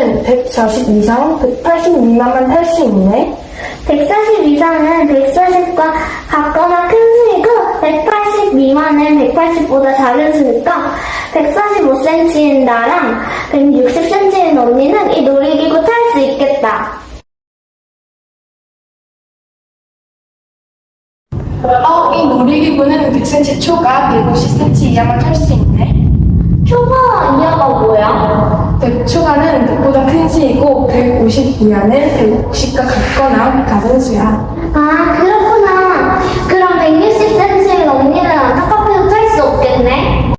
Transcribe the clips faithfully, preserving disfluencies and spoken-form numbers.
나는 백사십 이상, 백팔십 미만만 탈 수 있네. 백사십 이상은 백사십과 같거나 큰 수이고 백팔십 미만은 백팔십보다 작은 수니까 백사십오 센티미터인 나랑 백육십 센티미터인 언니는 이 놀이기구 탈 수 있겠다. 어, 이 놀이기구는 백 센티미터 초과, 백오십 센티미터 이하만 탈 수 있네. 초과와 이하가 뭐야? 백 초과는 백보다 큰 수이고, 백오십 이하는 백오십과 같거나 같은 수야. 아, 그렇구나. 그럼 백육십 센티미터인 언니는 안타깝게도 탈 수 없겠네.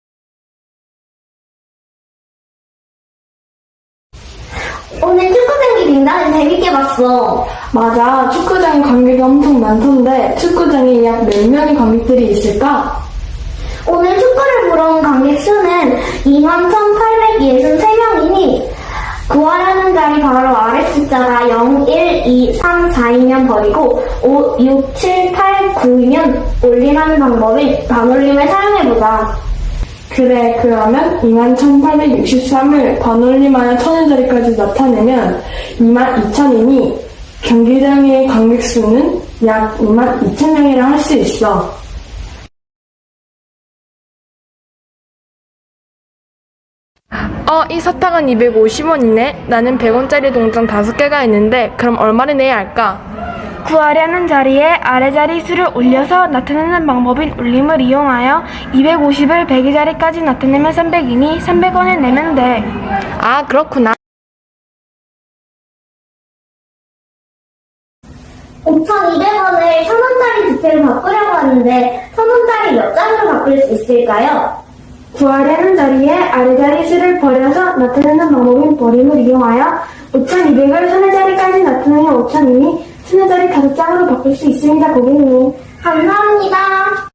오늘 축구 경기 굉장히 재밌게 봤어. 맞아, 축구장 관객이 엄청 많던데 축구장에 약 몇 명의 관객들이 있을까? 오늘 축구를 보러 온 관객 수는 이만 천팔백육십삼 명이니 구하라는 자리 바로 아래 숫자가 영, 일, 이, 삼, 사이면 버리고 오, 육, 칠, 팔, 구이면 올리라는 방법인 반올림을 사용해보자. 그래, 그러면 이만 천팔백육십삼을 반올림하여 천의 자리까지 나타내면 이만 이천이니 경기장의 관객 수는 약 이만 이천 명이라 할 수 있어. 어, 이 사탕은 이백오십 원이네. 나는 백 원짜리 동전 다섯 개가 있는데 그럼 얼마를 내야 할까? 구하려는 자리에 아래 자리 수를 올려서 나타내는 방법인 올림을 이용하여 이백오십을 백의 자리까지 나타내면 삼백이니 삼백 원을 내면 돼. 아, 그렇구나. 오천이백 원을 천 원짜리 지폐로 바꾸려고 하는데 천 원짜리 몇 장으로 바꿀 수 있을까요? 구하려는 자리에 아래 자리 수를 버려서 나타내는 방법인 버림을 이용하여 오천이백을 천의 자리까지 나타내면 오천이니 천의 자리 다섯 장으로 바꿀 수 있습니다, 고객님. 감사합니다.